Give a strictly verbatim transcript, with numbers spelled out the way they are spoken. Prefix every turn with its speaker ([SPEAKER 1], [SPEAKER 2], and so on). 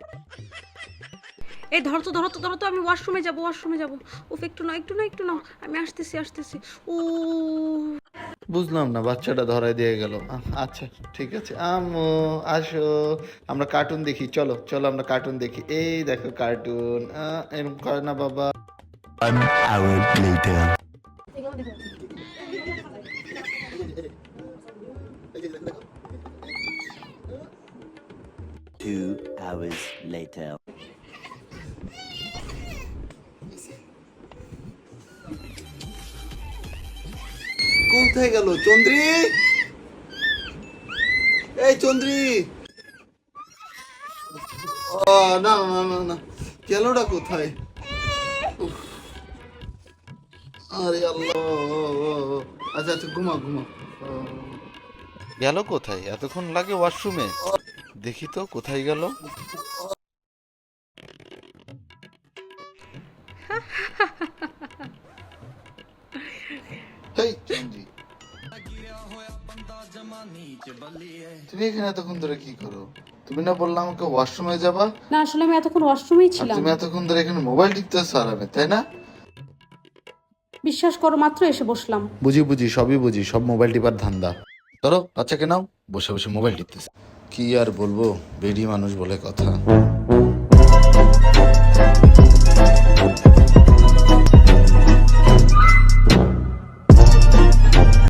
[SPEAKER 1] এই ধরো তো ধরো তো ধরো তো, আমি ওয়াশরুমে যাবো ওয়াশরুমে যাবো। উফ, একটু না একটু না একটু না, আমি আসতেছি আসতেছি। ও
[SPEAKER 2] বুঝলাম না, বাচ্চাটা ধরায় দিয়ে গেল। আহ, আচ্ছা ঠিক আছে, আম্মু আসো, আমরা কার্টুন দেখি, চলো চলো আমরা কার্টুন দেখি। এই দেখো কার্টুন, আহ, এরকম করে না বাবা।
[SPEAKER 3] One hour later. Two hours later.
[SPEAKER 2] কোথায় গেল চন্দ্রী? এই চন্দ্রী, ও না না না না, গেলটা কোথায়? উফ, আরে আল্লাহ। আচ্ছা আচ্ছা, ঘুমা ঘুমা। গেল কোথায়? এতক্ষণ লাগে ওয়াশরুমে, দেখি তো কোথায় গেল। এই চন্দ্রী, তুমি এখানে এতক্ষণ ধরে কি করো? তুমি না বললাম আমাকে ওয়াশরুমে যাবা?
[SPEAKER 1] না, আসলে আমি এতক্ষণ ওয়াশরুমেই
[SPEAKER 2] আর
[SPEAKER 1] ছিলাম।
[SPEAKER 2] তুমি এতক্ষণ ধরে এখানে মোবাইল টিপতেছো আরামে, তাই না?
[SPEAKER 1] বিশ্বাস করো, মাত্র এসে বসলাম।
[SPEAKER 2] বুঝি বুঝি, সবই বুঝি, সব মোবাইল টিপার ধান্দা। ধরো বাচ্চাকে নাও, বসে বসে মোবাইল টিপতেছে। কি আর বলবো, বেডি মানুষ বলে কথা।